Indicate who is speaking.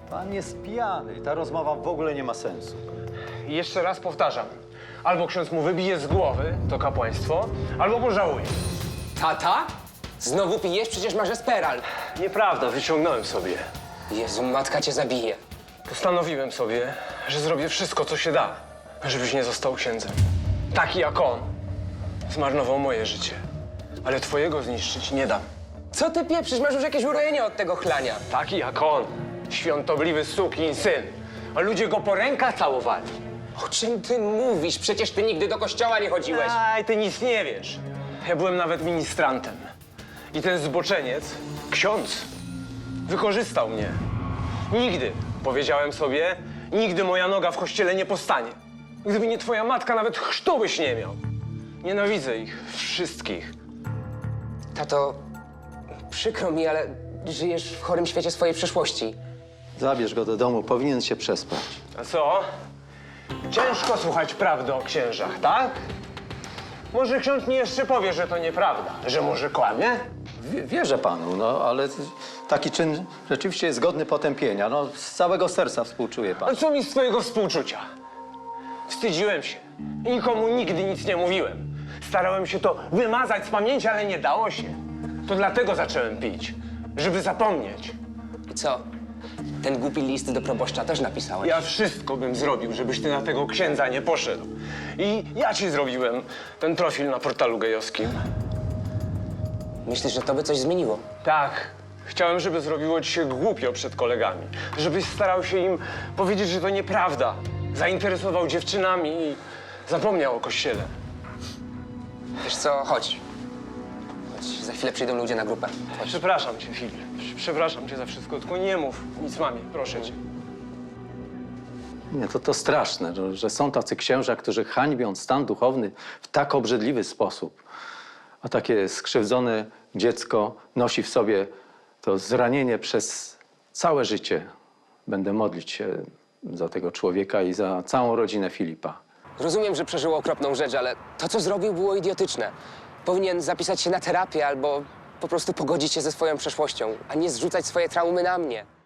Speaker 1: Pan jest pijany i ta rozmowa w ogóle nie ma sensu.
Speaker 2: I jeszcze raz powtarzam. Albo ksiądz mu wybije z głowy to kapłaństwo, albo pożałuje.
Speaker 3: Tata? Znowu pijesz? Przecież masz Esperal.
Speaker 2: Nieprawda, wyciągnąłem sobie.
Speaker 3: Jezu, matka cię zabije.
Speaker 2: Postanowiłem sobie, że zrobię wszystko, co się da, żebyś nie został księdzem. Taki jak on zmarnował moje życie, ale twojego zniszczyć nie dam.
Speaker 3: Co ty pieprzysz? Masz już jakieś urojenie od tego chlania.
Speaker 2: Taki jak on, świątobliwy sukinsyn, a ludzie go po rękach całowali.
Speaker 3: O czym ty mówisz? Przecież ty nigdy do kościoła nie chodziłeś.
Speaker 2: Aj, ty nic nie wiesz. Ja byłem nawet ministrantem. I ten zboczeniec, ksiądz, wykorzystał mnie. Nigdy, powiedziałem sobie, nigdy moja noga w kościele nie postanie. Gdyby nie twoja matka, nawet chrztu byś nie miał. Nienawidzę ich wszystkich.
Speaker 3: Tato, przykro mi, ale żyjesz w chorym świecie swojej przeszłości.
Speaker 1: Zabierz go do domu, powinien się przespać.
Speaker 2: A co? Ciężko słuchać prawdy o księżach, tak? Może ksiądz mi jeszcze powie, że to nieprawda, że może kłamie?
Speaker 1: Wierzę panu, no ale taki czyn rzeczywiście jest godny potępienia. No, z całego serca współczuję
Speaker 2: A
Speaker 1: panu.
Speaker 2: co mi z twojego współczucia? Wstydziłem się i nikomu nigdy nic nie mówiłem. Starałem się to wymazać z pamięci, ale nie dało się. To dlatego zacząłem pić, żeby zapomnieć.
Speaker 3: I co? Ten głupi list do proboszcza też napisałeś?
Speaker 2: Ja wszystko bym zrobił, żebyś ty na tego księdza nie poszedł. I ja ci zrobiłem ten profil na portalu gejowskim.
Speaker 3: Myślisz, że to by coś zmieniło?
Speaker 2: Tak. Chciałem, żeby zrobiło ci się głupio przed kolegami. Żebyś starał się im powiedzieć, że to nieprawda. Zainteresował dziewczynami i zapomniał o kościele.
Speaker 3: Wiesz co? Chodź. Chodź, za chwilę przyjdą ludzie na grupę. Chodź.
Speaker 2: Przepraszam cię, Filip. Przepraszam cię za wszystko, tylko nie mów nic mamie, proszę cię.
Speaker 1: Nie, to straszne, że są tacy księża, którzy hańbią stan duchowny w tak obrzydliwy sposób. A takie skrzywdzone dziecko nosi w sobie to zranienie przez całe życie. Będę modlić się za tego człowieka i za całą rodzinę Filipa.
Speaker 3: Rozumiem, że przeżył okropną rzecz, ale to, co zrobił, było idiotyczne. Powinien zapisać się na terapię albo po prostu pogodzić się ze swoją przeszłością, a nie zrzucać swoje traumy na mnie.